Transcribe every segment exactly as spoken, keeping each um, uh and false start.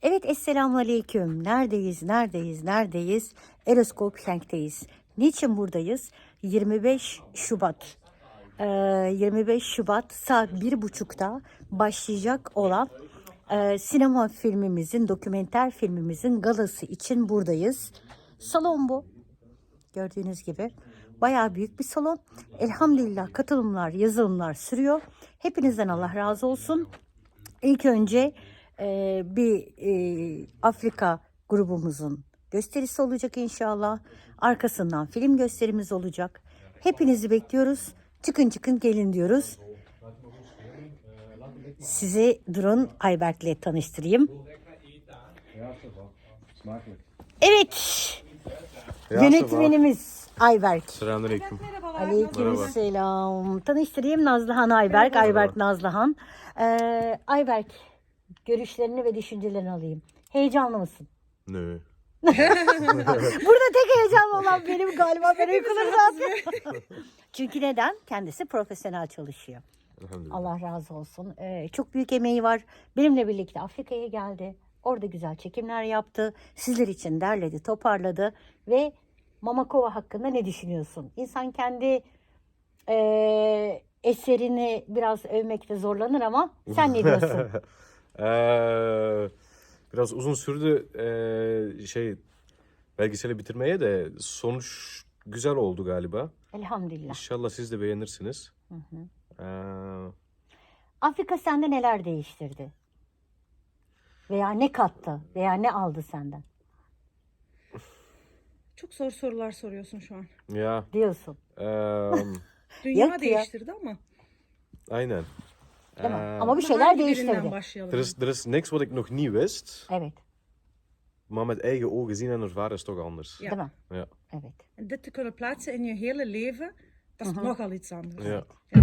Evet, Esselamu Aleyküm. Neredeyiz, neredeyiz, neredeyiz? Eroskop Schenk'teyiz. Niçin buradayız? yirmi beş Şubat. Ee, yirmi beş Şubat saat bir buçukta başlayacak olan e, sinema filmimizin, dokümenter filmimizin galası için buradayız. Salon bu. Gördüğünüz gibi bayağı büyük bir salon. Elhamdülillah katılımlar, yazılımlar sürüyor. Hepinizden Allah razı olsun. İlk önce e, bir e, Afrika grubumuzun gösterisi olacak inşallah. Arkasından film gösterimiz olacak. Hepinizi bekliyoruz. Çıkın çıkın gelin diyoruz. Sizi durun Ayberk'le tanıştırayım. Evet. Yönetmenimiz Ayberk. Selamünaleyküm. Aleykümselam. Tanıştırayım, Nazlıhan Ayberk. Ayberk Nazlıhan. Ee, Ayberk, görüşlerini ve düşüncelerini alayım. Heyecanlı mısın? Nö. Burada tek heyecanlı olan benim galiba. Ben uykulur zaten. Çünkü neden? Kendisi profesyonel çalışıyor. Elhamdülillah. Allah razı olsun. Ee, çok büyük emeği var. Benimle birlikte Afrika'ya geldi. Orada güzel çekimler yaptı. Sizler için derledi, toparladı. Ve Mamakova hakkında ne düşünüyorsun? İnsan kendi e, eserini biraz övmekte zorlanır ama sen ne diyorsun? Eee, biraz uzun sürdü eee, şey belgeseli bitirmeye de sonuç güzel oldu galiba. Elhamdülillah. İnşallah siz de beğenirsiniz. Hı hı. Eee, Afrika sende neler değiştirdi? Veya ne kattı? Veya ne aldı senden? Çok zor sorular soruyorsun şu an. ja, Diyorsun. eee, Dünya Yok ya. değiştirdi ama. aynen. Değil mi? Eee, Ama bir Ama şeyler hangi değiştirdi. birinden başlayalım? er, is, er is niks wat ik nog niet wist, Evet. maar met eigen ogen zien en ervaren is toch anders. Ja. Değil mi? Ja. Evet. En dit te kunnen plaatsen in je hele leven, dat is nogal iets anders. Ja.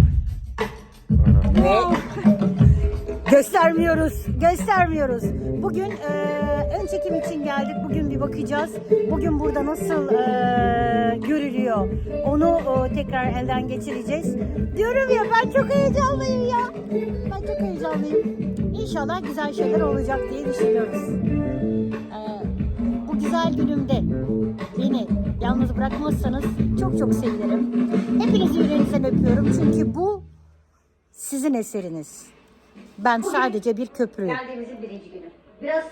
Ve göstermiyoruz, göstermiyoruz. Bugün e, ön çekim için geldik. Bugün bir bakacağız. Bugün burada nasıl e, görülüyor, onu e, tekrar elden geçireceğiz. Diyorum ya, ben çok heyecanlıyım ya. Ben çok heyecanlıyım. İnşallah güzel şeyler olacak diye düşünüyoruz. E, bu güzel günümde beni yalnız bırakmazsanız çok çok sevinirim. Hepinizi yüreğinizden öpüyorum. Çünkü bu sizin eseriniz. Ben sadece bir köprüyüm. Geldiğimizin birinci günü. Biraz